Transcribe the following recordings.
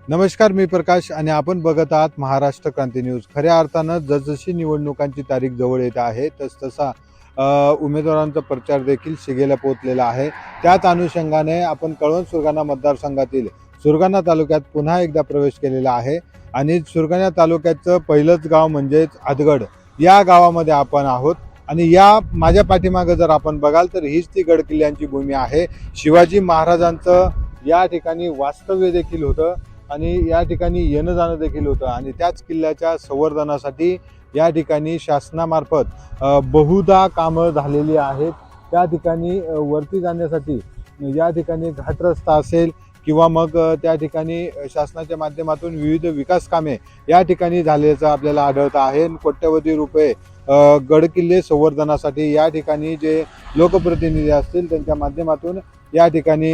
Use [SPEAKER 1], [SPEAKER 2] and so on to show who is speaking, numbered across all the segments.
[SPEAKER 1] नमस्कार, मी प्रकाश आणि आपण बघत आहात महाराष्ट्र क्रांती न्यूज. खऱ्या अर्थानं जसजशी निवडणुकांची तारीख जवळ येत आहे तसतसा उमेदवारांचा प्रचार देखील शिगेला पोहोचलेला आहे. त्याच अनुषंगाने आपण कळवण सुरगाणा मतदारसंघातील सुरगाणा तालुक्यात पुन्हा एकदा प्रवेश केलेला आहे आणि सुरगाणा तालुक्याचं पहिलंच गाव म्हणजेच आदगड या गावामध्ये आपण आहोत. आणि या माझ्या पाठीमागं जर आपण बघाल तर हीच ती गडकिल्ल्यांची भूमी आहे. शिवाजी महाराजांचं या ठिकाणी वास्तव्य देखील होतं आणि या ठिकाणी येणं जाणं देखील होतं आणि त्याच किल्ल्याच्या संवर्धनासाठी या ठिकाणी शासनामार्फत बहुधा कामं झालेली आहेत. त्या ठिकाणी वरती जाण्यासाठी या ठिकाणी घाटरस्ता असेल किंवा मग त्या ठिकाणी शासनाच्या माध्यमातून विविध विकास कामे या ठिकाणी झाल्याचं आपल्याला आढळतं आहे. कोट्यवधी रुपये गडकिल्ले संवर्धनासाठी या ठिकाणी जे लोकप्रतिनिधी असतील त्यांच्या माध्यमातून या ठिकाणी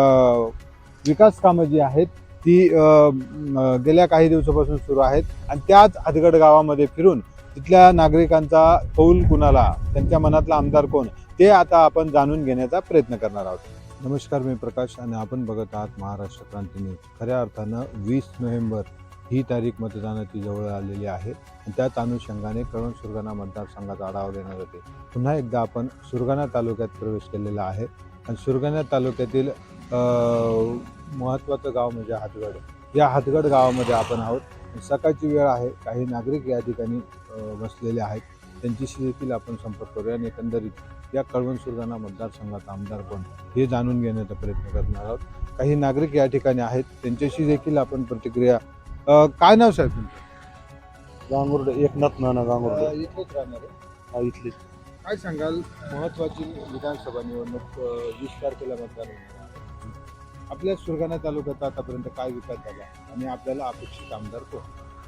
[SPEAKER 1] विकास कामं जी आहेत ती गेल्या काही दिवसापासून सुरू आहेत. आणि त्याच आदगड गावामध्ये फिरून तिथल्या नागरिकांचा कौल कुणाला, त्यांच्या मनातला आमदार कोण, ते आता आपण जाणून घेण्याचा प्रयत्न करणार आहोत. नमस्कार, मी प्रकाश आणि आपण बघत आहात महाराष्ट्र क्रांती न्यूज. खऱ्या अर्थानं 20 नोव्हेंबर ही तारीख मतदानाची जवळ आलेली आहे आणि त्याच अनुषंगाने कळवण सुरगाणा मतदारसंघाचा आढावा घेणार होते. पुन्हा एकदा आपण सुरगाणा तालुक्यात प्रवेश केलेला आहे आणि सुरगाणा तालुक्यातील महत्त्वाचं गाव म्हणजे हातगड. या हातगड गावामध्ये आपण आहोत. सकाळची वेळ आहे, काही नागरिक या ठिकाणी बसलेले आहेत. त्यांच्याशी देखील आपण संपर्क करूया आणि एकंदरीत या कळवण सुरगाणा मतदारसंघाचा आमदार कोण हे जाणून घेण्याचा प्रयत्न करणार आहोत. काही नागरिक या ठिकाणी आहेत, त्यांच्याशी देखील आपण प्रतिक्रिया. काय नाव साहेब तुमचं?
[SPEAKER 2] गांगुर्डे, एकनाथ नाना गांगुर्डे.
[SPEAKER 1] इथलेच राहणार आहे.
[SPEAKER 2] हा, इथले.
[SPEAKER 1] काय सांगाल, महत्त्वाची विधानसभा निवडणूक 20 तारखेला मतदान होणार आहे. आपल्या सुरगाणा तालुक्यात आतापर्यंत काय विकास झाला आणि आपल्याला अपेक्षित आमदार कोण?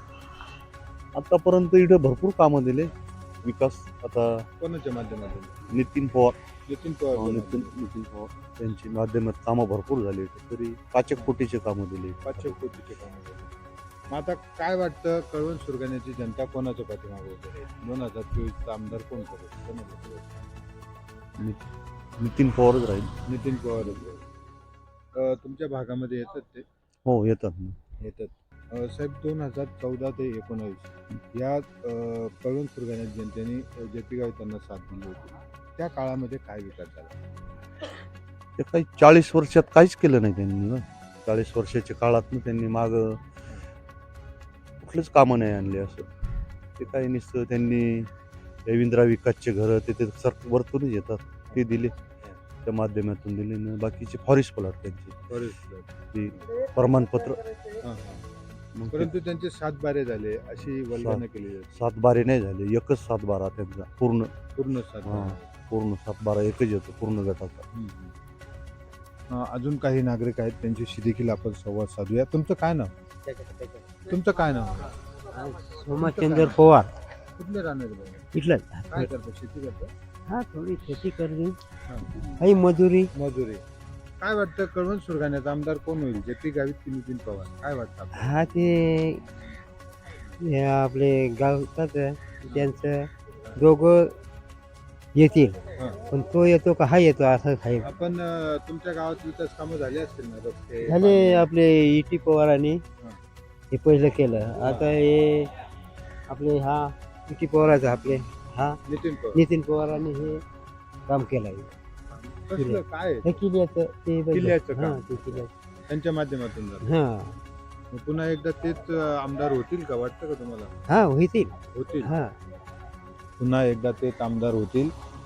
[SPEAKER 2] आतापर्यंत इथे भरपूर कामं दिले विकास. आता
[SPEAKER 1] कोणाच्या माध्यमातून?
[SPEAKER 2] नितीन पवार
[SPEAKER 1] नितीन पवार.
[SPEAKER 2] नितीन पवार त्यांची माध्यमात कामं भरपूर झाली. तरी 5 कोटीचे कामं दिले.
[SPEAKER 1] 5 कोटीचे काम झाले. मग आता काय वाटतं, कळवण सुरगाण्याची जनता कोणाच्या पाठीमागे उभी आहे? 2024चा आमदार कोण करेल? कोणाला करेल?
[SPEAKER 2] नितीन पवारच राहील.
[SPEAKER 1] नितीन पवार. तुमच्या भागामध्ये येतात ते?
[SPEAKER 2] हो, येतात.
[SPEAKER 1] येतात. साहेब, 2014 ते 19 या कळवण सुरगाण्यात जनतेने जे पी गावी त्यांना साथ दिली होती, त्या काळामध्ये काय विकास झाला?
[SPEAKER 2] ते काही 40 वर्षात काहीच केलं नाही त्यांनी ना. 40 वर्षाच्या काळात त्यांनी माग कुठलंच कामं नाही आणले. असं ते काही नुसतं त्यांनी रवींद्र विकासचे घरं ते वरतूनच येतात ते दिले, त्या माध्यमातून दिले ना. बाकीचे फॉरेस्ट प्लॉट त्यांचे ते प्रमाणपत्र.
[SPEAKER 1] परंतु त्यांचे 7 बारे झाले अशी वल्गना केली जाते.
[SPEAKER 2] 7 बारे नाही झाले, एकच 7 बारा त्यांचा पूर्ण
[SPEAKER 1] 7 बारे.
[SPEAKER 2] पूर्ण 7 बारा एकच येतो पूर्ण गटाचा.
[SPEAKER 1] अजून काही नागरिक आहेत, त्यांच्याशी देखील आपण संवाद साधूया. तुमचं काय नाव? तुमचं
[SPEAKER 3] सोमचंद्र पवार.
[SPEAKER 1] कुठले राहणार?
[SPEAKER 3] इथलं
[SPEAKER 1] काय करतो? शेती करतो?
[SPEAKER 3] हा, थोडी शेती करते, काही मजुरी.
[SPEAKER 1] काय वाटतं, कळवण सुरगाण्याचा आमदार कोण होईल? जे पी गावित की नितीन पवार? काय वाटतं आपल्याला?
[SPEAKER 3] हा, ते आपले गावतात त्यांचं दोघं येतील, पण तो येतो का हा येतो असं आहे.
[SPEAKER 1] आपण तुमच्या गावात विकास कामं झाले असतील ना? रस्ते,
[SPEAKER 3] झाले.
[SPEAKER 1] पाणी?
[SPEAKER 3] आपले इटी पवारांनी हे पहिलं केलं. आता हे आपले हा इटी पवाराचं आपले हा
[SPEAKER 1] नितीन पवार.
[SPEAKER 3] नितीन पवारांनी हे काम केलं आहे.
[SPEAKER 1] कसलं काय?
[SPEAKER 3] हे किल्ल्याचं ते
[SPEAKER 1] किल्ल्याचं काम?
[SPEAKER 3] हा, ते किल्ल्याचं.
[SPEAKER 1] त्यांच्या माध्यमातून झालं.
[SPEAKER 3] हा
[SPEAKER 1] मग पुन्हा एकदा तेच आमदार होतील का, वाटतं का तुम्हाला?
[SPEAKER 3] हा होतील.
[SPEAKER 1] होतील.
[SPEAKER 3] हा,
[SPEAKER 1] पुन्हा एकदा तेच आमदार होतील.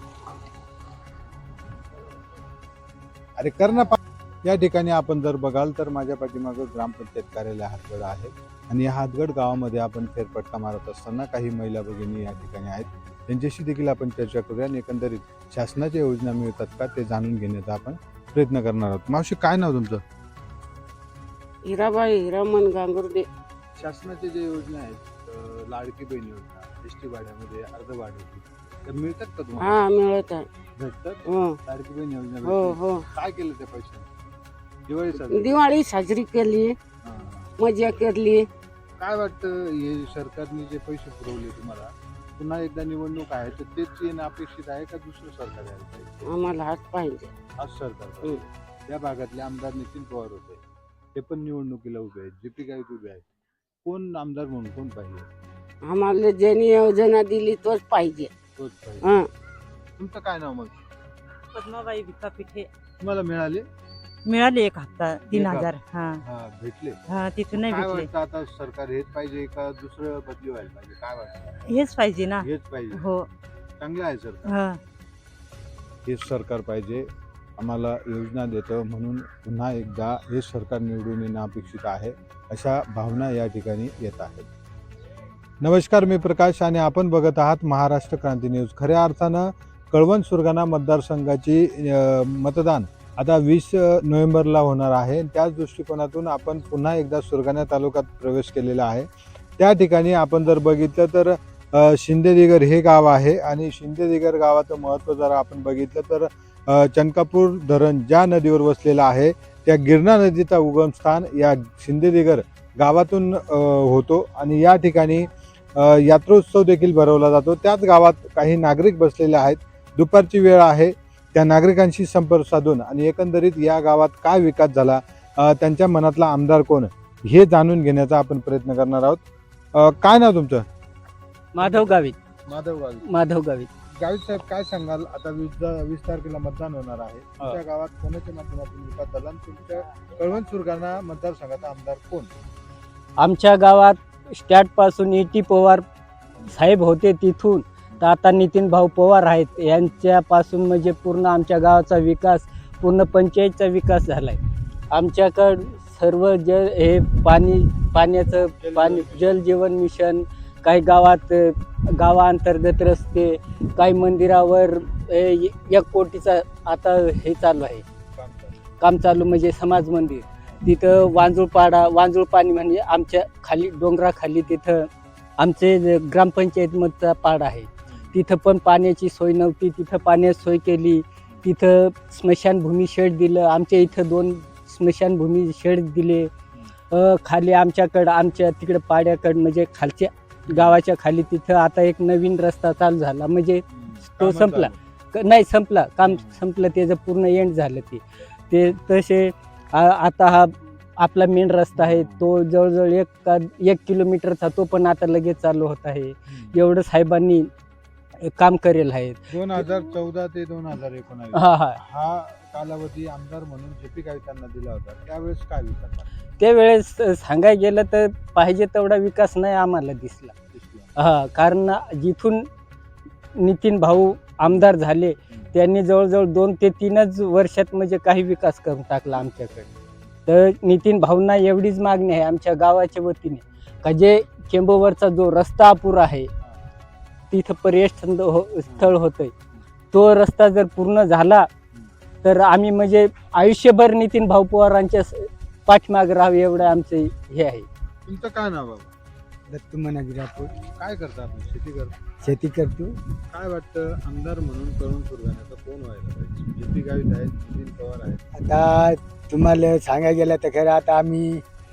[SPEAKER 1] अरे करणं. या ठिकाणी आपण जर बघाल तर माझ्या पाठीमागं ग्रामपंचायत कार्यालय हातगड आहे आणि या हातगड गावामध्ये आपण फेरफटका मारत असताना काही महिला भगिनी या ठिकाणी आहेत. त्यांच्याशी देखील आपण चर्चा करूया आणि एकंदरीत शासनाच्या योजना मिळतात का ते जाणून घेण्याचा आपण प्रयत्न करणार आहोत. मावशी, काय नाव तुमचं?
[SPEAKER 4] हिराबाई हिरामन गांगुर्डे.
[SPEAKER 1] शासनाच्या ज्या योजना आहेत, लाडकी बहीण योजना, एसटी भाड्यामध्ये अर्ध भाडे, तर मिळतात का तुम्हाला?
[SPEAKER 4] हा, मिळत आहे.
[SPEAKER 1] भेटतात.
[SPEAKER 4] हो
[SPEAKER 1] लाडकी बहीण योजना
[SPEAKER 4] हो
[SPEAKER 1] भेटते.
[SPEAKER 4] हो.
[SPEAKER 1] काय केलं त्या पैशाने? दिवाळी साजरी.
[SPEAKER 4] दिवाळी साजरी केली,
[SPEAKER 1] हां.
[SPEAKER 4] मजा केली.
[SPEAKER 1] काय वाटतं, हे सरकारने जे पैसे पुरवले तुम्हाला, पुन्हा एकदा निवडणूक आहे तर तेच येणं अपेक्षित आहे का दुसरं सरकार यायला पाहिजे?
[SPEAKER 4] आम्हाला हात पाहिजे.
[SPEAKER 1] आज सरकार. या भागातले आमदार नितीन पवार होते, ते पण निवडणुकीला उभे आहेत, जे पी गावित उभे आहेत. कोण आमदार म्हणून कोण पाहिजे?
[SPEAKER 4] आम्हाला ज्यांनी योजना दिली तोच पाहिजे.
[SPEAKER 1] तोच पाहिजे.
[SPEAKER 4] हं.
[SPEAKER 1] तुमचं काय नाव मग?
[SPEAKER 5] पद्माबाई विका पिठे
[SPEAKER 1] तुम्हाला मिळाले?
[SPEAKER 5] मिळाले एक हप्ता
[SPEAKER 1] 1,000.
[SPEAKER 5] 3,000. हा
[SPEAKER 1] हा, भेटले.
[SPEAKER 5] हा तिथून नाही
[SPEAKER 1] काय
[SPEAKER 5] भेटले.
[SPEAKER 1] वाटतं आता सरकार हेच पाहिजे का दुसरं बदली व्हायला पाहिजे? काय वाटतं?
[SPEAKER 5] हेच पाहिजे ना.
[SPEAKER 1] हेच पाहिजे.
[SPEAKER 5] हो.
[SPEAKER 1] चांगलं आहे सरकार.
[SPEAKER 5] हा
[SPEAKER 1] हेच सरकार पाहिजे, आम्हाला योजना देतं म्हणून पुन्हा एकदा हे सरकार निवडून येणं अपेक्षित आहे, अशा भावना या ठिकाणी येत आहेत. नमस्कार, मी प्रकाश आणि आपण बघत आहात महाराष्ट्र क्रांती न्यूज. खऱ्या अर्थानं कळवण सुरगाणा मतदारसंघाची मतदान आता 20 नोव्हेंबरला होणार आहे. त्याच दृष्टिकोनातून आपण पुन्हा एकदा सुरगाणा तालुक्यात प्रवेश केलेला आहे. त्या ठिकाणी आपण जर बघितलं तर शिंदेदिगर हे गाव आहे आणि शिंदेदिगर गावाचं महत्त्व जर आपण बघितलं तर चनकापूर धरण ज्या नदीवर वसलेलं आहे त्या गिरणा नदीचा उगमस्थान या शिंदेदिगर गावातून होतो आणि या ठिकाणी यात्रोत्सव देखील भरवला जातो. त्याच गावात काही नागरिक बसलेले आहेत. दुपारची वेळ आहे, त्या नागरिकांशी संपर्क साधून आणि एकंदरीत या गावात काय विकास झाला, त्यांच्या मनातला आमदार कोण हे जाणून घेण्याचा आपण प्रयत्न करणार आहोत. काय नाव तुमचं?
[SPEAKER 5] माधव गावित.
[SPEAKER 1] माधव गावित.
[SPEAKER 5] माधव गावित.
[SPEAKER 1] गावित साहेब, काय सांगाल? आता 20 तारखेला मतदान होणार आहे. तुमच्या गावात कोणाच्या माध्यमातून विकास झाला आणि तुमच्या कळवण सुरगाणा मतदारसंघाचा आमदार कोण?
[SPEAKER 6] आमच्या गावात स्टॅट पासून E.T. पवार साहेब होते, तिथून तर आता नितीन भाऊ पवार आहेत. यांच्यापासून म्हणजे पूर्ण आमच्या गावाचा विकास, पूर्ण पंचायतचा विकास झालाय. आमच्याकडं सर्व हे पाण्याचं जल जीवन मिशन, काही गावात गावाअंतर्गत रस्ते, काही मंदिरावर 1 कोटीचा आता हे चालू आहे काम चालू, म्हणजे समाज मंदिर. तिथं वांजुळ पाणी म्हणजे आमच्या खाली डोंगराखाली तिथं आमचे ग्रामपंचायतमधचा पाडा आहे. तिथं पण पाण्याची सोय नव्हती, तिथं पाण्याची सोय केली. तिथं स्मशानभूमी शेड दिलं. आमच्या इथं 2 स्मशानभूमी शेड दिले. खाली आमच्या तिकडं पाड्याकडं म्हणजे खालच्या गावाच्या खाली तिथं आता एक नवीन रस्ता चालू झाला, म्हणजे तो संपला नाही, काम संपलं, त्याचं पूर्ण एंड झालं. ते तसे आता हा आपला मेन रस्ता आहे, तो जवळजवळ 1 किलोमीटरचा, तो पण आता लगेच चालू होत आहे. एवढं साहेबांनी काम करेल आहे.
[SPEAKER 1] 2014 ते 2019 हा कालावधी आमदार म्हणून जे.पी. गावितांना दिला होता. त्यावेळेस काय विकास झाला?
[SPEAKER 6] त्यावेळेस सांगायला गेलं तर पाहिजे तेवढा विकास नाही आम्हाला दिसला. कारण जिथून नितीन भाऊ आमदार झाले त्यांनी जवळजवळ 2 ते 3च वर्षात म्हणजे काही विकास करून टाकला आमच्याकडे. तर नितीन भाऊंना एवढीच मागणी आहे आमच्या गावाच्या वतीने का जे चेंबूरवरचा जो रस्ता अपुरा आहे, तिथं पर्यटन स्थळ होतंय, तो रस्ता जर पूर्ण झाला तर आम्ही म्हणजे आयुष्यभर नितीन भाऊ पवारांच्या पाठीमागे राहावे एवढं आमचं हे आहे.
[SPEAKER 1] तुमचं काय नाव बाबा?
[SPEAKER 3] दत्तू मनाजी राठोड.
[SPEAKER 1] काय करता आपण? शेती करता.
[SPEAKER 3] शेती करतो.
[SPEAKER 1] काय वाटतं आमदार म्हणून कळवण सुरगाण्याचा कोण व्हायला पाहिजे? जे.पी. गावित आहेत, नितीन पवार आहेत.
[SPEAKER 3] आता तुम्हाला सांगायला गेलं तर खरं आता आम्ही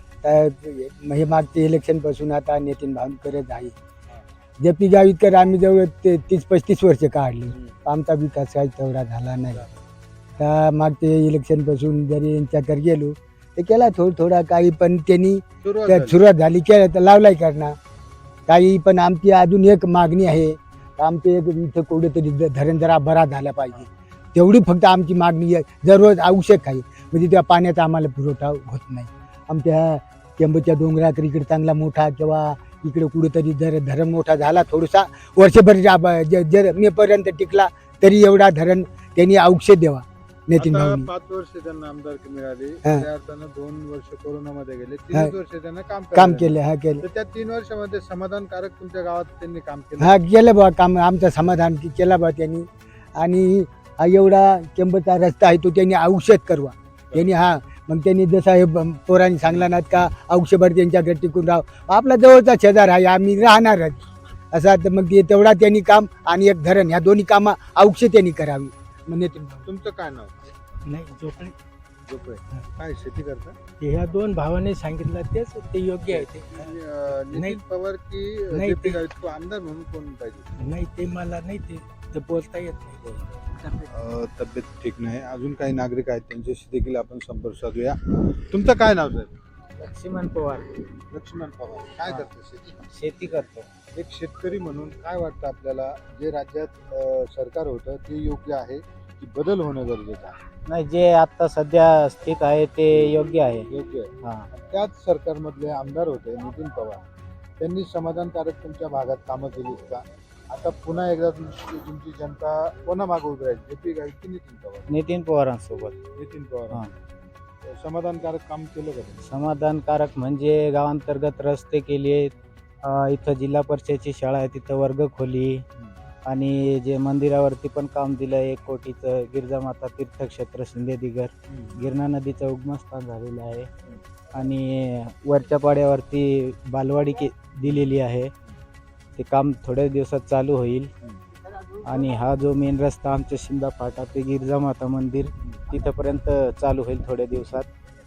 [SPEAKER 3] हे मागते इलेक्शनपासून आता नितीन भाऊ करत आहे. जे.पी. गावितकर आम्ही जवळ 30-35 वर्ष काढली, आमचा विकास काही तेवढा झाला नाही. तर मागते इलेक्शनपासून जरी यांच्याकडे गेलो तर केला थोडा काही, पण त्यांनी सुरुवात झाली केलं तर लावलाय करणार काही. पण आमची अजून एक मागणी आहे, आमचे एक इथं कुठेतरी धरण जरा बरा झाला पाहिजे, तेवढी फक्त आमची मागणी आहे. दररोज आवश्यक आहे, म्हणजे त्या पाण्याचा आम्हाला पुरवठा होत नाही. आमच्या चेंबूरच्या डोंगराकडे इकडे चांगला मोठा किंवा इकडे कुठेतरी जर धरण मोठा झाला थोडासा वर्षभर जर मेपर्यंत टिकला तरी एवढा धरण त्यांनी औषध द्यावा. नितीन
[SPEAKER 1] आता
[SPEAKER 3] भाऊनी
[SPEAKER 1] 5 वर्ष त्यांना आमदारकी मिळाली.
[SPEAKER 3] हा.
[SPEAKER 1] त्या अर्थानं 2 वर्ष कोरोनामध्ये गेले, 3 वर्ष त्यांना
[SPEAKER 3] काम केलं.
[SPEAKER 1] तर त्या 3 वर्षामध्ये समाधानकारक तुमच्या गावात त्यांनी काम केलं?
[SPEAKER 3] केलं बा काम, आमचं समाधान केलं बा त्यांनी. आणि हा एवढा चेंबूरचा रस्ता आहे तो त्यांनी औषध करवा त्यांनी. मग त्यांनी जसा हे पोरांनी सांगला नात का औषधभर त्यांच्याकडे टिकून राहा, आपला जवळचा शेजार आहे, आम्ही राहणारच असा. तर मग तेवढा त्यांनी काम आणि एक धरण, ह्या दोन्ही कामं औषध त्यांनी करावी. म्हणजे
[SPEAKER 1] तुमचं काय नाव?
[SPEAKER 7] नाही झोपणे.
[SPEAKER 1] झोपळे. काय शेती करता?
[SPEAKER 7] ह्या 2 भावाने सांगितलं तेच ते योग्य आहे. ते
[SPEAKER 1] नितीन पवार की
[SPEAKER 7] नाही,
[SPEAKER 1] जे.पी.
[SPEAKER 7] ते-
[SPEAKER 1] गावित आमदार म्हणून कोण पाहिजे?
[SPEAKER 7] नाही ते मला नाही ते बोलता येत नाही.
[SPEAKER 1] तब्येत ठीक नाही. अजून काही नागरिक आहेत त्यांच्याशी देखील आपण संपर्क साधूया. तुमचं काय नाव साहेब?
[SPEAKER 5] लक्ष्मण पवार
[SPEAKER 1] लक्ष्मण पवार. काय करतो शेती?
[SPEAKER 5] शेती करतो.
[SPEAKER 1] एक शेतकरी म्हणून काय वाटतं आपल्याला, जे राज्यात सरकार होतं ते योग्य आहे की बदल होणं गरजेचं आहे?
[SPEAKER 5] नाही, जे आता सध्या स्थित आहे ते योग्य आहे.
[SPEAKER 1] योग्य आहे.
[SPEAKER 5] हा.
[SPEAKER 1] त्याच सरकारमधले आमदार होते नितीन पवार, त्यांनी समाधानकारक तुमच्या भागात कामं केलीत का? आता पुन्हा एकदा तुमची जनता कोणा मागे उभी राहील, जे.पी. गावित की नितीन पवार?
[SPEAKER 5] नितीन पवारांसोबत.
[SPEAKER 1] नितीन पवार. समाधानकारक काम केलं का त्यांनी?
[SPEAKER 5] समाधानकारक म्हणजे गावांतर्गत रस्ते केले, इथं जिल्हा परिषदेची शाळा आहे तिथं वर्ग खोली, आणि जे मंदिरावरती पण काम दिलं 1 कोटीचं, गिरजामाता तीर्थक्षेत्र शिंदेदिगर, गिरणा नदीचं उगमस्थान झालेलं आहे, आणि वरच्या पाड्यावरती बालवाडी दिलेली आहे. ते काम थोड्या दिवसात चालू होईल. आणि हा जो मेन रस्ता आमच्या शिंदा फाटा ते गिरजामाता मंदिर तिथंपर्यंत चालू होईल थोड्या दिवसात.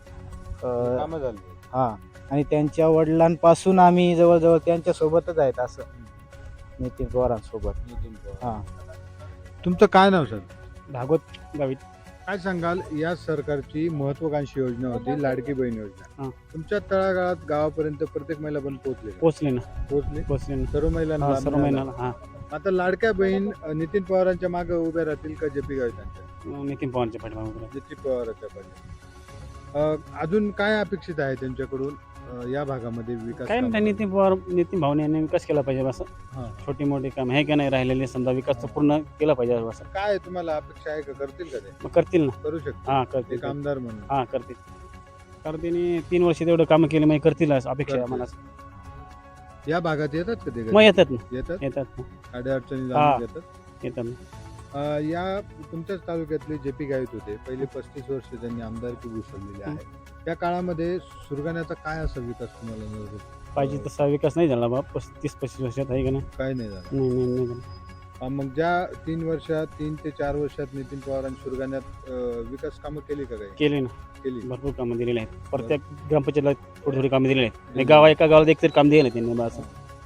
[SPEAKER 1] कामं झाली.
[SPEAKER 5] हां, आणि त्यांच्या वडिलांपासून आम्ही जवळजवळ त्यांच्यासोबतच आहेत, असं नितीन पवारांसोबत.
[SPEAKER 1] नितीन पवार.
[SPEAKER 5] हां.
[SPEAKER 1] तुमचं काय नाव सर?
[SPEAKER 5] भागवत गावित.
[SPEAKER 1] काय सांगाल, या सरकारची महत्वाकांक्षी योजना होती लाडकी बहीण योजना.
[SPEAKER 5] हां.
[SPEAKER 1] तुमच्या तळागाळात गावापर्यंत प्रत्येक महिला पण पोहोचले का?
[SPEAKER 5] पोचले ना.
[SPEAKER 1] पोहोचले सर्व महिलांना लाभ
[SPEAKER 5] सर्व
[SPEAKER 1] मिळाला?
[SPEAKER 5] महिन्याला. हां,
[SPEAKER 1] आता लाडक्या बहीण नितीन पवारांच्या मागे उभ्या राहतील का जे.पी. गावितांच्या?
[SPEAKER 5] नितीन पवारांच्या पाठीमागे.
[SPEAKER 1] नितीन पवारांच्या पाठी. अजून काय अपेक्षित आहे त्यांच्याकडून या भागामध्ये विकास
[SPEAKER 8] काय
[SPEAKER 1] कामं?
[SPEAKER 8] नाही, नितीन भाऊने यांनी विकास केला पाहिजे बस.
[SPEAKER 1] हां.
[SPEAKER 8] छोटी मोठी काम हे का नाही राहिलेले, समजा विकास पूर्ण केला पाहिजे बस.
[SPEAKER 1] काय तुम्हाला अपेक्षा आहे का, करतील का ते?
[SPEAKER 8] मग करतील ना.
[SPEAKER 1] करू शकतो
[SPEAKER 8] हा, करतील.
[SPEAKER 1] एक आमदार म्हणून.
[SPEAKER 8] हा, करतील. कारण त्यांनी 3 वर्ष तेवढं कामं केली, मग करतील असं अपेक्षा आहे
[SPEAKER 1] करतील.
[SPEAKER 8] आम्हाला.
[SPEAKER 1] या भागात येतात का ते
[SPEAKER 8] मग
[SPEAKER 1] घरी?
[SPEAKER 8] येतात ना,
[SPEAKER 1] येतात
[SPEAKER 8] येतात ना,
[SPEAKER 1] अडचणी
[SPEAKER 8] हां.
[SPEAKER 1] जाणून घेतात.
[SPEAKER 8] येतात ना.
[SPEAKER 1] या तुमच्याच तालुक्यातले जे.पी. गावित होते, पहिले 35 वर्ष त्यांनी आमदारकी भूषवलेली आहे. त्या काळामध्ये सुरगाण्याचा काय असा विकास तुम्हाला मिळत होता?
[SPEAKER 8] पाहिजे तसा विकास नाही झाला बा 35 वर्षात, आहे का नाही?
[SPEAKER 1] काय नाही झालं.
[SPEAKER 8] नाही झाला.
[SPEAKER 1] मग ज्या 3 ते 4 वर्षात नितीन पवारांनी सुरगाण्यात विकास कामं केली का काही?
[SPEAKER 8] केले ना,
[SPEAKER 1] केली.
[SPEAKER 8] भरपूर कामं दिलेली आहेत. प्रत्येक ग्रामपंचायतला थोडी थोडी कामं दिलेली आहेत. एका गावाला एक तरी काम दिलं त्यांनी बस.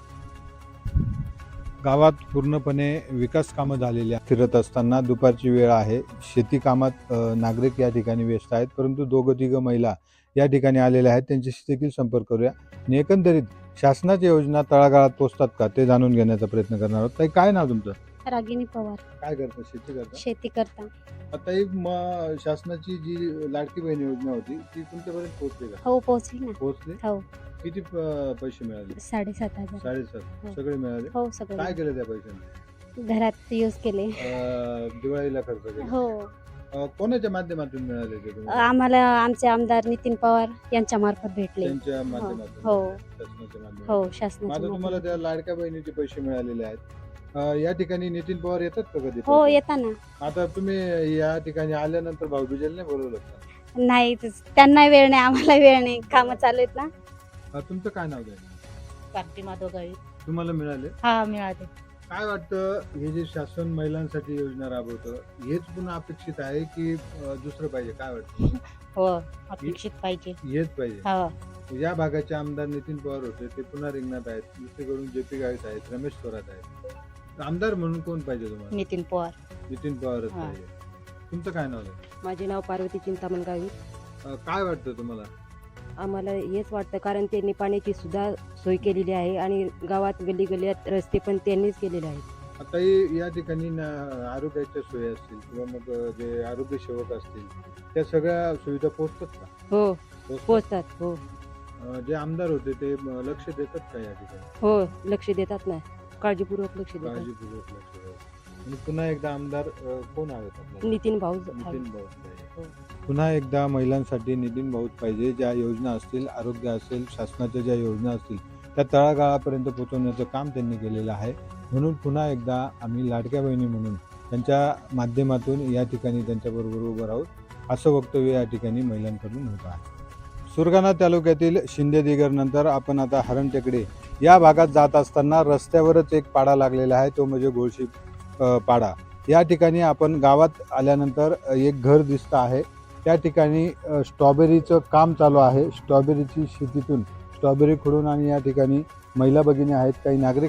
[SPEAKER 1] गावात पूर्णपणे विकास कामं झालेली आहेत. फिरत असताना दुपारची वेळ आहे. शेती कामात नागरिक या ठिकाणी व्यस्त आहेत, परंतु 2-3 महिला या ठिकाणी आलेल्या आहेत. त्यांच्याशी देखील संपर्क करूया आणि एकंदरीत शासनाच्या योजना तळागाळात पोहोचतात का ते जाणून घेण्याचा प्रयत्न करणार आहोत. ताई, काय नाव तुमचं?
[SPEAKER 9] रागिनी पवार.
[SPEAKER 1] काय करता? शेती करता?
[SPEAKER 9] शेती करता.
[SPEAKER 1] आता एक शासनाची जी लाडकी बहीण योजना होती ती तुमच्यापर्यंत पोहोचली का?
[SPEAKER 9] हो, पोहोचली ना.
[SPEAKER 1] पोहोचली.
[SPEAKER 9] हो.
[SPEAKER 1] किती पैसे मिळाले?
[SPEAKER 9] 7,500.
[SPEAKER 1] 7,500
[SPEAKER 9] हो.
[SPEAKER 1] सगळे मिळाले.
[SPEAKER 9] हो, सगळं.
[SPEAKER 1] काय केलं त्या पैशाने?
[SPEAKER 9] घरात यूज केले.
[SPEAKER 1] दिवाळीला खर्च केला.
[SPEAKER 9] हो.
[SPEAKER 1] कोणाच्या माध्यमातून मिळाले ते तुम्हाला?
[SPEAKER 9] आम्हाला आमचे आमदार नितीन पवार यांच्या मार्फत भेटले.
[SPEAKER 1] त्यांच्या माध्यमातून.
[SPEAKER 9] हो.
[SPEAKER 1] शासनाच्या माध्यमातून.
[SPEAKER 9] हो,
[SPEAKER 1] आता
[SPEAKER 9] शासनाच्या
[SPEAKER 1] तुम्हाला
[SPEAKER 9] मार्फत.
[SPEAKER 1] त्या लाडक्या बहिणीचे पैसे मिळालेले आहेत. या ठिकाणी नितीन पवार येतात का कधी?
[SPEAKER 9] हो, येताना.
[SPEAKER 1] आता तुम्ही या ठिकाणी आल्यानंतर भाऊबीजेला नाही बोलवलं का?
[SPEAKER 9] नाही, त्यांना वेळ नाही, आम्हाला वेळ नाही, कामं चालू आहेत ना.
[SPEAKER 1] तुमचं काय नाव आहे?
[SPEAKER 4] कार्ती माधव गावी.
[SPEAKER 1] तुम्हाला मिळाले?
[SPEAKER 4] हा, मिळाले.
[SPEAKER 1] काय वाटतं, हे जे शासन महिलांसाठी योजना राबवतं हेच पुन्हा अपेक्षित आहे की दुसरं पाहिजे? काय वाटतं?
[SPEAKER 4] हो, अपेक्षित पाहिजे.
[SPEAKER 1] हेच पाहिजे.
[SPEAKER 4] हो.
[SPEAKER 1] या भागाचे आमदार नितीन पवार होते, ते पुन्हा रिंगणात आहेत. दुसरीकडून जे.पी. गावित आहेत, रमेश थोरात आहेत. आमदार म्हणून कोण पाहिजे तुम्हाला?
[SPEAKER 4] नितीन पवार.
[SPEAKER 1] नितीन पवारच
[SPEAKER 4] हां.
[SPEAKER 1] पाहिजे. तुमचं काय नाव आहे?
[SPEAKER 10] माझे नाव पार्वती चिंतामण गावी.
[SPEAKER 1] काय वाटतं तुम्हाला?
[SPEAKER 10] आम्हाला हेच वाटतं, कारण त्यांनी पाण्याची सुद्धा सोय केलेली आहे आणि गावात गल्ली गल्ल्यात रस्ते पण त्यांनीच केलेले आहेत.
[SPEAKER 1] आता या ठिकाणी आरोग्याच्या सोयी असतील किंवा मग जे आरोग्य सेवक असतील त्या सगळ्या सुविधा पोहोचतात का?
[SPEAKER 10] हो,
[SPEAKER 1] पोहोचतात?
[SPEAKER 10] पोचतात. हो
[SPEAKER 1] जे आमदार होते ते लक्ष देतात का या ठिकाणी?
[SPEAKER 10] हो, लक्ष देतात ना, काळजीपूर्वक लक्ष देतात.
[SPEAKER 1] काळजीपूर्वक लक्ष देतात. आणि पुन्हा एकदा आमदार कोण हवेत आपल्याला?
[SPEAKER 10] नितीन भाऊ.
[SPEAKER 1] नितीन भाऊ पाहिजे.
[SPEAKER 10] हो.
[SPEAKER 1] पुन्हा एकदा महिलांसाठी नितीन भाऊ पाहिजे. ज्या योजना असतील, आरोग्य असेल, शासनाच्या ज्या योजना असतील त्या तळागाळापर्यंत पोहोचवण्याचं काम त्यांनी केलेलं आहे. म्हणून पुन्हा एकदा आम्ही लाडक्या बहिणी म्हणून त्यांच्या माध्यमातून या ठिकाणी त्यांच्याबरोबर उभं राहू असं वक्तव्य या ठिकाणी महिलांकडून होत आहे. सुरगाणा तालुक्यातील शिंदेदिगर नंतर आपण आता हरणटेकडे या भागात जात असताना रस्त्यावरच एक पाडा लागलेला आहे, तो म्हणजे गोळशी पाडा. या ठिकाणी आपण गावात आल्यानंतर एक घर दिसतं आहे. त्या ठिकाणी स्ट्रॉबेरीचं काम चालू आहे. स्ट्रॉबेरीची शेतीतून स्ट्रॉबेरी खुडून आणि या ठिकाणी महिला भगिनी आहेत, काही नागरिक आहेत,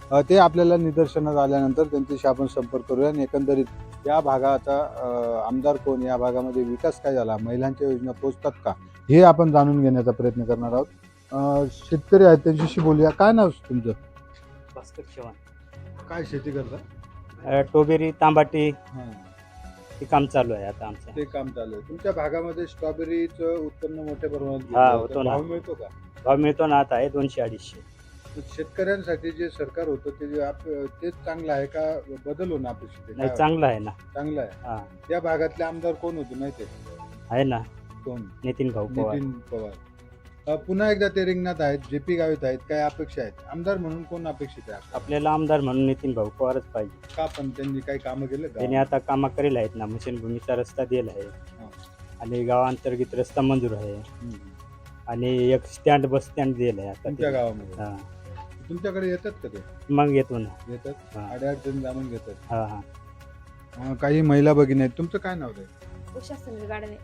[SPEAKER 1] ते आपल्याला निदर्शनास आल्यानंतर त्यांच्याशी आपण संपर्क करूया आणि एकंदरीत या भागाचा आमदार कोण, या भागामध्ये विकास काय झाला, महिलांच्या योजना पोहोचतात का, हे आपण जाणून घेण्याचा प्रयत्न करणार आहोत. शेतकरी आहेत त्यांच्याशी बोलूया. काय नाव तुमचं?
[SPEAKER 8] भास्कर चव्हाण.
[SPEAKER 1] काय शेती करता?
[SPEAKER 8] टोबेरी तांबाटी हे काम चालू आहे आता आमचं.
[SPEAKER 1] ते काम चालू आहे. तुमच्या भागामध्ये स्ट्रॉबेरीचं उत्पन्न मोठ्या प्रमाणात घेतलं
[SPEAKER 8] हा,
[SPEAKER 1] जातं.
[SPEAKER 8] होतो ना.
[SPEAKER 1] भाव मिळतो का?
[SPEAKER 8] भाव मिळतो ना, आता आहे 200-250.
[SPEAKER 1] शेतकऱ्यांसाठी जे सरकार होतं तेच चांगलं आहे का बदल होणं अपेक्षित आहे?
[SPEAKER 8] नाही,
[SPEAKER 1] काय
[SPEAKER 8] चांगलं आहे ना.
[SPEAKER 1] वाटतं? चांगलं आहे.
[SPEAKER 8] हा,
[SPEAKER 1] या भागातले आमदार कोण होते माहिती
[SPEAKER 8] आहे ना,
[SPEAKER 1] कोण?
[SPEAKER 8] नितीन भाऊ पवार.
[SPEAKER 1] नितीन पवार. पुन्हा एकदा ते रिंगणात आहेत, JP गावित आहेत. काय अपेक्षा आहेत? आमदार म्हणून कोण अपेक्षित आहे?
[SPEAKER 8] आपल्याला आमदार म्हणून नितीन भाऊ पवारच पाहिजे.
[SPEAKER 1] का पण त्यांनी काही कामं केले का?
[SPEAKER 8] त्याने आता कामं करेल आहेत ना, भूमीचा रस्ता दिला आहे आणि गावांतर्गत रस्ता मंजूर आहे
[SPEAKER 1] हम्म.
[SPEAKER 8] आणि एक स्टँड बस स्टँड दिलं आहे आता
[SPEAKER 1] तुमच्या
[SPEAKER 8] ते.
[SPEAKER 1] गावामध्ये
[SPEAKER 8] हा,
[SPEAKER 1] तुमच्याकडे येतात का ते?
[SPEAKER 8] मग येतो ना.
[SPEAKER 1] येतात.
[SPEAKER 8] हा.
[SPEAKER 1] अडचण जाणून घेतात.
[SPEAKER 8] हा हा.
[SPEAKER 1] काही महिला भगिनी आहेत. तुमचं काय नाव आहे?
[SPEAKER 9] उषा सुनील गाडवे.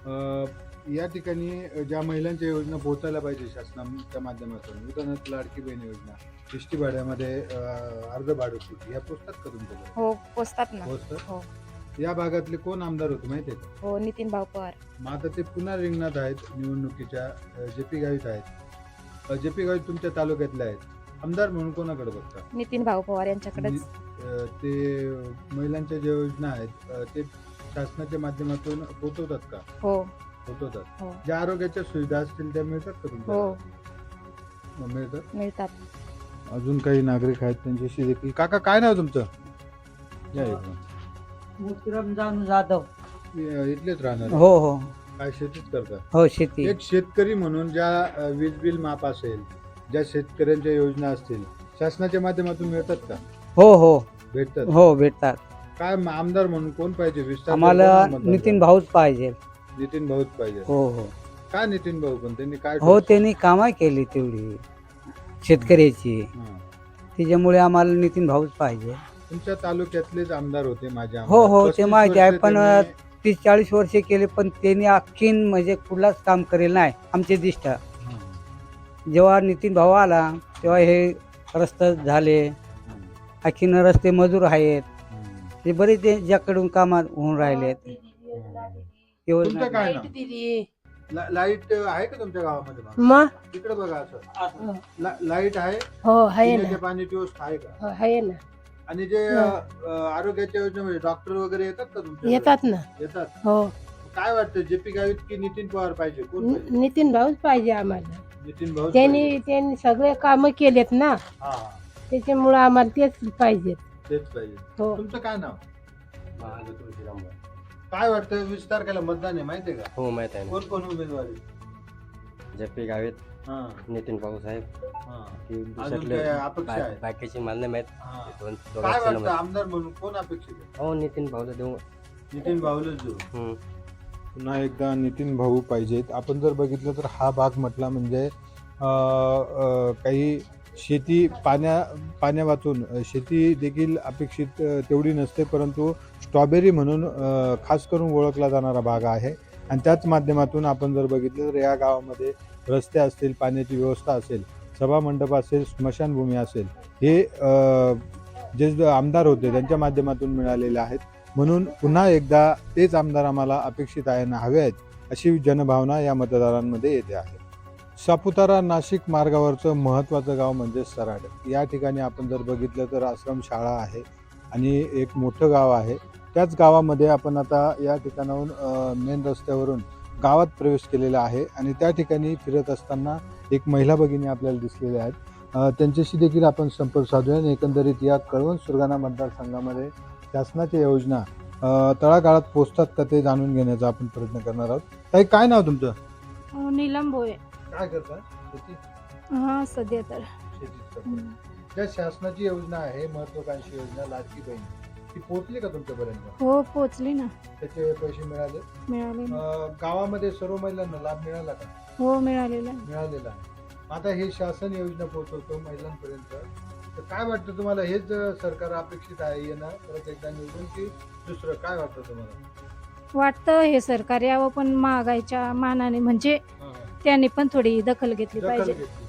[SPEAKER 1] या ठिकाणी ज्या महिलांच्या योजना पोहोचायला पाहिजे शासनाच्या माध्यमातून, उदाहरणार्थ लाडकी बहीण योजना, एसटी भाड्यामध्ये अर्ध भाडं या पोचतात का तुमच्याकडे?
[SPEAKER 9] हो पोचतात ना.
[SPEAKER 1] पोचतात.
[SPEAKER 9] हो.
[SPEAKER 1] या भागातले कोण आमदार होते माहिती आहे का?
[SPEAKER 9] हो नितीन भाऊ पवार.
[SPEAKER 1] मग आता ते पुन्हा रिंगणात आहेत निवडणुकीच्या. JP गावित आहेत. JP गावित तुमच्या तालुक्यातले आहेत. आमदार म्हणून कोणाकडे बघता?
[SPEAKER 9] नितीन भाऊ पवार यांच्याकडेच.
[SPEAKER 1] ते महिलांच्या ज्या योजना आहेत ते शासनाच्या माध्यमातून पोहोचवतात का?
[SPEAKER 9] हो
[SPEAKER 1] पोहोचवतात.
[SPEAKER 9] हो.
[SPEAKER 1] ज्या आरोग्याच्या सुविधा असतील त्या मिळतात का तुमच्या?
[SPEAKER 9] हो
[SPEAKER 1] मिळतात.
[SPEAKER 9] मिळतात.
[SPEAKER 1] अजून काही नागरिक आहेत त्यांच्याशी देखील. काका काय नाव तुमचं? या इकडं.
[SPEAKER 6] मोतीराम जानू जाधव.
[SPEAKER 1] इथलेच राहणार?
[SPEAKER 6] हो हो
[SPEAKER 1] काय शेतीच करता?
[SPEAKER 6] हो, शेती.
[SPEAKER 1] एक शेतकरी म्हणून ज्या वीज बिल माफ असेल, ज्या शेतकऱ्यांच्या योजना असतील, शासनाच्या माध्यमातून मिळतात का?
[SPEAKER 6] हो हो
[SPEAKER 1] भेटतात.
[SPEAKER 6] हो, भेटतात.
[SPEAKER 1] काय आमदार म्हणून कोण पाहिजे? विस्तार
[SPEAKER 6] आम्हाला
[SPEAKER 1] कोणाला मतदान
[SPEAKER 6] नितीन
[SPEAKER 1] करा?
[SPEAKER 6] भाऊच पाहिजे.
[SPEAKER 1] नितीन भाऊच पाहिजे.
[SPEAKER 6] हो हो
[SPEAKER 1] काय नितीन भाऊ पण त्यांनी काय
[SPEAKER 6] हो, त्यांनी कामं केली तेवढी शेतकऱ्याची,
[SPEAKER 1] हां.
[SPEAKER 6] त्याच्यामुळे आम्हाला नितीन भाऊच पाहिजे.
[SPEAKER 1] तुमच्या तालुक्यातलेच आमदार होते माझे
[SPEAKER 6] हो
[SPEAKER 1] आमदार.
[SPEAKER 6] हो, ते
[SPEAKER 1] 35
[SPEAKER 6] माहिती आहे,
[SPEAKER 1] वर्षे
[SPEAKER 6] पण
[SPEAKER 1] त्यांनी-
[SPEAKER 6] 30-40 वर्षे केले, पण त्यांनी आणखीन म्हणजे कुठलाच काम करेल नाही आमचे दिष्ट.
[SPEAKER 1] हां.
[SPEAKER 6] जेव्हा नितीन भाऊ आला तेव्हा हे रस्ते झाले,
[SPEAKER 1] हां.
[SPEAKER 6] आणखीन रस्ते मजूर आहेत,
[SPEAKER 1] हां.
[SPEAKER 6] ते बरेच ज्याकडून कामात होऊन राहिले.
[SPEAKER 1] तुमचं काय नाव? लाईट आहे का तुमच्या गावामध्ये?
[SPEAKER 7] मग
[SPEAKER 1] तिकडे बघा असं लाईट आहे.
[SPEAKER 7] हो आहे
[SPEAKER 1] पिण्याच्या
[SPEAKER 7] ना.
[SPEAKER 1] पाण्याची व्यवस्था आहे का?
[SPEAKER 7] हो, आहे ना.
[SPEAKER 1] आणि जे आरोग्याच्या योजनेमध्ये डॉक्टर वगैरे येतात का तुमच्या?
[SPEAKER 7] येतात ना.
[SPEAKER 1] येतात.
[SPEAKER 7] हो
[SPEAKER 1] काय वाटतं JP गावित की नितीन पवार पाहिजे? कोण पाहिजे?
[SPEAKER 7] नितीन भाऊच पाहिजे आम्हाला.
[SPEAKER 1] नितीन भाऊ
[SPEAKER 7] त्यांनी सगळे कामं केलेत ना,
[SPEAKER 1] हा
[SPEAKER 7] त्याच्यामुळे आम्हाला तेच पाहिजेत.
[SPEAKER 1] तेच पाहिजे.
[SPEAKER 7] हो.
[SPEAKER 1] तुमचं काय नाव? काय वाटतं विस्तार केला मतदान आहे माहितीये का?
[SPEAKER 11] हो माहित आहे
[SPEAKER 1] कोण कोण उमेदवारी?
[SPEAKER 11] ना JP गावित
[SPEAKER 1] हा
[SPEAKER 11] नितीन भाऊ साहेब
[SPEAKER 1] हा.
[SPEAKER 11] ती
[SPEAKER 1] अजून काय अपेक्षा आहे?
[SPEAKER 11] बाकीची मला नाही माहित.
[SPEAKER 1] हा.
[SPEAKER 11] दोन
[SPEAKER 1] काय
[SPEAKER 11] दोघांचं
[SPEAKER 1] वाटतं
[SPEAKER 11] नाव
[SPEAKER 1] आमदार म्हणून कोण अपेक्षित आहे?
[SPEAKER 11] माहित. हो नितीन भाऊला देऊ.
[SPEAKER 1] नितीन भाऊलाच देऊ.
[SPEAKER 11] हम्म.
[SPEAKER 1] पुन्हा एकदा नितीन भाऊ पाहिजेत. आपण जर बघितलं तर हा भाग म्हटला म्हणजे काही शेती पाण्या वाचून शेती देखील अपेक्षित तेवढी नसते, परंतु स्ट्रॉबेरी म्हणून खास करून ओळखला जाणारा भाग आहे. आणि त्याच माध्यमातून आपण जर बघितलं तर या गावामध्ये रस्ते असतील, पाण्याची व्यवस्था असेल, सभामंडप असेल, स्मशानभूमी असेल, हे जे आमदार होते त्यांच्या माध्यमातून मिळालेले आहेत. म्हणून पुन्हा एकदा तेच आमदार आम्हाला अपेक्षित आहे ना हवे आहेत, अशी जनभावना या मतदारांमध्ये येते आहे. सापुतारा नाशिक मार्गावरचं महत्त्वाचं गाव म्हणजे सराड. या ठिकाणी आपण जर बघितलं तर आश्रमशाळा आहे आणि एक मोठं गाव आहे. त्याच गावामध्ये आपण आता या ठिकाणाहून मेन रस्त्यावरून गावात प्रवेश केलेला आहे आणि त्या ठिकाणी फिरत असताना एक महिला भगिनी आपल्याला दिसलेल्या आहेत. त्यांच्याशी देखील आपण संपर्क साधूया आणि एकंदरीत या कळवण सुरगाणा मतदारसंघामध्ये शासनाच्या योजना तळागाळात पोहोचतात का ते जाणून घेण्याचा आपण प्रयत्न करणार आहोत. ताई काय नाव तुमचं?
[SPEAKER 9] नीलम भोये.
[SPEAKER 1] काय करता? शेती?
[SPEAKER 9] हा सध्या तर
[SPEAKER 1] शेतीच करता. ज्या शासनाची योजना आहे महत्वाकांक्षी योजना लाडकी बहीण, ती पोहोचली का तुमच्यापर्यंत?
[SPEAKER 9] हो पोचली ना.
[SPEAKER 1] त्याचे पैसे मिळाले?
[SPEAKER 9] मिळाले ना.
[SPEAKER 1] गावामध्ये सर्व महिलांना लाभ मिळाला का?
[SPEAKER 9] हो मिळालेला.
[SPEAKER 1] मिळालेला आहे. आता हे शासन योजना पोहोचवतो महिलांपर्यंत, तर काय वाटतं तुम्हाला? हेच सरकार अपेक्षित आहे येणं परत एकदा निवडून की दुसरं काय वाटतं तुम्हाला?
[SPEAKER 9] वाटतं हे सरकार यावं, पण महागाईच्या मानाने म्हणजे त्यांनी पण थोडी दखल घेतली
[SPEAKER 1] दखल
[SPEAKER 9] पाहिजे.
[SPEAKER 1] घेतली पाहिजे.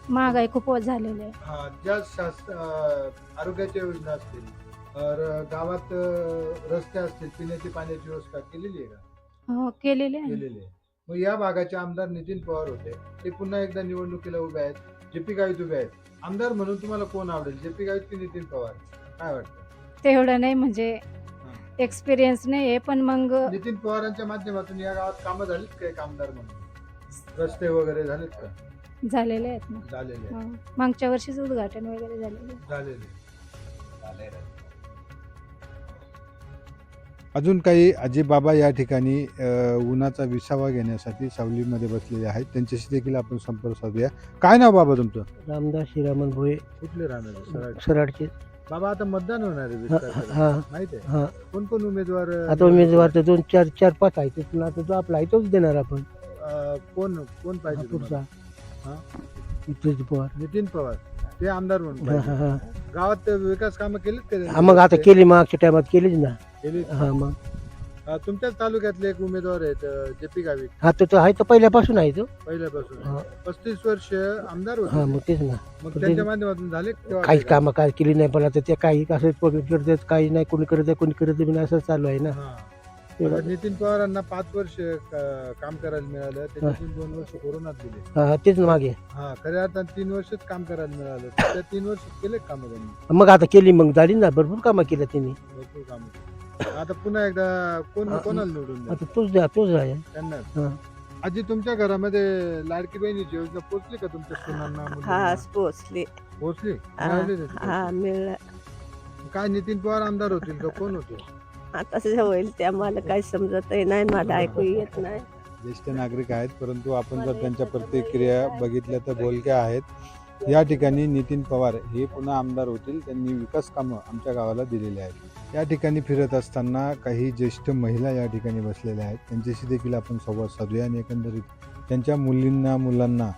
[SPEAKER 7] महागाई खूप झालेली आहे.
[SPEAKER 1] हा, ज्या आरोग्याच्या योजना असतील गावात रस्ते असतील, पिण्याची पाण्याची व्यवस्था केलेली आहे का?
[SPEAKER 7] हो केलेली आहे.
[SPEAKER 1] केलेली आहे. मग या भागाचे आमदार नितीन पवार होते, ते पुन्हा एकदा निवडणुकीला उभे आहेत, जेपी गावित उभे आहेत. आमदार म्हणून तुम्हाला कोण आवडेल, जेपी गावित की नितीन पवार? काय वाटतं?
[SPEAKER 7] तेवढं नाही म्हणजे एक्सपिरियन्स नाही आहे, पण मग
[SPEAKER 1] नितीन पवारांच्या माध्यमातून या गावात कामं झालीत का? एक आमदार म्हणून रस्ते वगैरे झालेत का?
[SPEAKER 7] झालेले आहेत ना.
[SPEAKER 1] झालेले आहेत.
[SPEAKER 7] मागच्या वर्षीच उद्घाटन वगैरे झालेले.
[SPEAKER 1] झालेले. अजून काही आजीबाबा या ठिकाणी उन्हाचा विसावा घेण्यासाठी सावलीमध्ये बसलेले आहेत, त्यांच्याशी देखील आपण संपर्क साधूया. काय नाव बाबा तुमचं?
[SPEAKER 5] रामदास श्रीरामन भोये,
[SPEAKER 1] कुठले राहणार?
[SPEAKER 5] सराडचे.
[SPEAKER 1] बाबा आता मतदान होणार आहे 20 तारखेला.
[SPEAKER 5] हा
[SPEAKER 1] माहिती आहे?
[SPEAKER 5] हा.
[SPEAKER 1] कोण कोण उमेदवार?
[SPEAKER 5] आता उमेदवार तर 2 4 4 5 आहेत, पण आता जो आपला आहे तोच देणार आपण.
[SPEAKER 1] कोण कोण पाहिजे
[SPEAKER 5] पुढचा
[SPEAKER 1] तुम्हाला?
[SPEAKER 5] नितीन पवार.
[SPEAKER 1] नितीन पवार ते आमदार म्हणून
[SPEAKER 5] हा,
[SPEAKER 1] पाहिजे.
[SPEAKER 5] हा, हा.
[SPEAKER 1] गावात विकास कामं केलीत का त्यांनी?
[SPEAKER 5] मग आता केली, मागच्या टायमात केलीच ना.
[SPEAKER 1] केलीत.
[SPEAKER 5] हा मग
[SPEAKER 1] तुमच्याच तालुक्यातले एक उमेदवार आहेत जेपी गावित,
[SPEAKER 5] हा तो आहे तर पहिल्यापासून आहे तो.
[SPEAKER 1] पहिल्यापासून
[SPEAKER 5] हा.
[SPEAKER 1] 35 वर्ष आमदार
[SPEAKER 5] हा
[SPEAKER 1] होते.
[SPEAKER 5] मग तेच ना.
[SPEAKER 1] मग त्यांच्या माध्यमातून झाले का तेव्हा
[SPEAKER 5] काहीच
[SPEAKER 1] काही
[SPEAKER 5] कामं काय केली नाही, पण आता ते काही असं करतात, काही नाही, कोणी करत आहे कोणी करत नाही, असं चालू आहे ना.
[SPEAKER 1] हा. आता नितीन पवारांना 5 वर्ष काम करायला मिळालं, त्याच्यातून 2 वर्ष कोरोनात गेले.
[SPEAKER 5] हा तेच ना मागे.
[SPEAKER 1] हा, खऱ्या अर्थाने 3 वर्षच काम करायला मिळालं. त्या 3 वर्ष केले काम त्यांनी,
[SPEAKER 5] मग आता केली, मग झाली ना, भरपूर कामं केली त्यांनी.
[SPEAKER 1] भरपूर काम. आता पुन्हा एकदा कोणाला निवडून द्या?
[SPEAKER 5] आता तोच आहे.
[SPEAKER 1] त्यांना.
[SPEAKER 5] हा.
[SPEAKER 1] आजी, तुमच्या घरामध्ये लाडकी बहिणीची योजना पोहोचली का तुमच्या सुनांना, मुलींना?
[SPEAKER 10] पोचले.
[SPEAKER 1] पोहोचली? मिळाली त्याची पैसे?
[SPEAKER 10] मिळालं.
[SPEAKER 1] काय नितीन पवार आमदार होतील का कोण होते?
[SPEAKER 10] आता होईल ते आम्हाला काही समजत नाही, मला ऐकू येत नाही.
[SPEAKER 1] ज्येष्ठ नागरिक आहेत, परंतु आपण जर त्यांच्या प्रतिक्रिया बघितल्या तर बोलक्या आहेत. या ठिकाणी नितीन पवार हे पुन्हा आमदार होतील, त्यांनी विकास कामं आमच्या गावाला दिलेली आहेत. या ठिकाणी फिरत असताना काही ज्येष्ठ महिला या ठिकाणी बसलेल्या आहेत, त्यांच्याशी देखील आपण संवाद साधूया आणि एकंदरीत त्यांच्या मुलींना, मुलांना,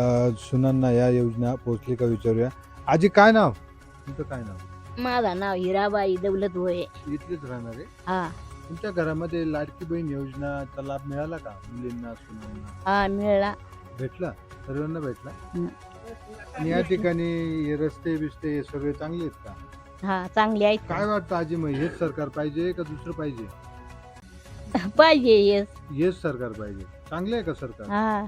[SPEAKER 1] सुनांना या योजना पोहोचली का विचारूया. आजी, काय नाव तुमचं? काय नाव?
[SPEAKER 4] माझं नाव हिराबाई दौलत भोये.
[SPEAKER 1] इथलेच राहणार आहे?
[SPEAKER 4] हा
[SPEAKER 1] तुमच्या घरामध्ये लाडकी बहीण योजनाचा लाभ मिळाला का मुलींना, सुनांना?
[SPEAKER 4] हा मिळाला.
[SPEAKER 1] भेटला? सर्वांना भेटला?
[SPEAKER 4] हं.
[SPEAKER 1] आणि या ठिकाणी हे रस्ते बिस्ते हे सगळे चांगले आहेत का?
[SPEAKER 4] हा चांगली आहेत.
[SPEAKER 1] काय वाटतं आजी, मग हेच सरकार पाहिजे का दुसरं पाहिजे?
[SPEAKER 4] पाहिजे येस.
[SPEAKER 1] हेच सरकार पाहिजे. चांगले आहे का सरकार?
[SPEAKER 4] हा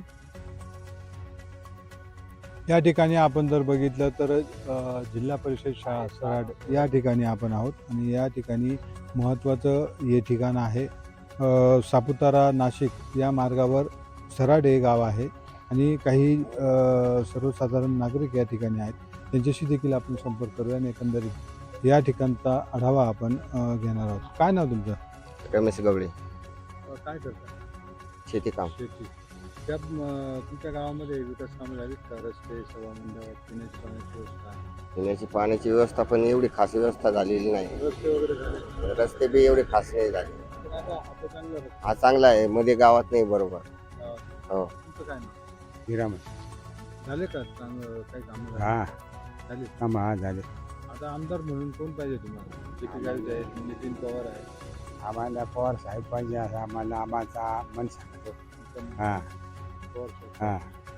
[SPEAKER 1] या ठिकाणी आपण जर बघितलं तर जिल्हा परिषद शाळा सराड या ठिकाणी आपण आहोत आणि या ठिकाणी महत्त्वाचं हे ठिकाण आहे. सापुतारा नाशिक या मार्गावर सराड हे गाव आहे आणि काही सर्वसाधारण नागरिक या ठिकाणी आहेत, त्यांच्याशी देखील आपण संपर्क करूया आणि एकंदरीत या ठिकाणचा आढावा आपण घेणार आहोत. काय नाव तुमचं?
[SPEAKER 11] रमेश गवळे.
[SPEAKER 1] काय करता?
[SPEAKER 11] शेती काम.
[SPEAKER 1] शेती. त्या तुमच्या गावामध्ये विकास कामं झालीत का? रस्ते, सभामंडप, पिण्याची पाण्याची व्यवस्था?
[SPEAKER 11] पिण्याची पाण्याची व्यवस्था पण एवढी खास व्यवस्था झालेली नाही.
[SPEAKER 1] रस्ते वगैरे झाले?
[SPEAKER 11] रस्ते बी एवढे खास नाही झाले.
[SPEAKER 1] पण आता चांगला रस्ता.
[SPEAKER 11] हा चांगला आहे, मध्ये गावात नाही बरोबर. हो.
[SPEAKER 1] तुमचं काय नाव?
[SPEAKER 2] हिरामन.
[SPEAKER 1] झाले का काही कामं झाली?
[SPEAKER 2] हा
[SPEAKER 1] झाले.
[SPEAKER 2] काम हा झाले.
[SPEAKER 1] आता आमदार म्हणून कोण पाहिजे तुम्हाला? जेपी गावित आहेत, नितीन पवार आहे.
[SPEAKER 2] आम्हाला पवार साहेब पाहिजे असं आम्हाला मन सांगतो. हा
[SPEAKER 1] पवार साहेब.
[SPEAKER 2] हा.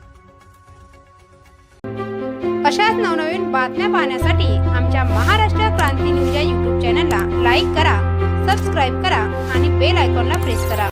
[SPEAKER 12] अशाच नवनवीन बातम्या पाहण्यासाठी आमच्या महाराष्ट्र क्रांती न्यूज या यूट्यूब चॅनलला लाईक करा, सबस्क्राईब करा आणि बेल आयकॉनला प्रेस करा.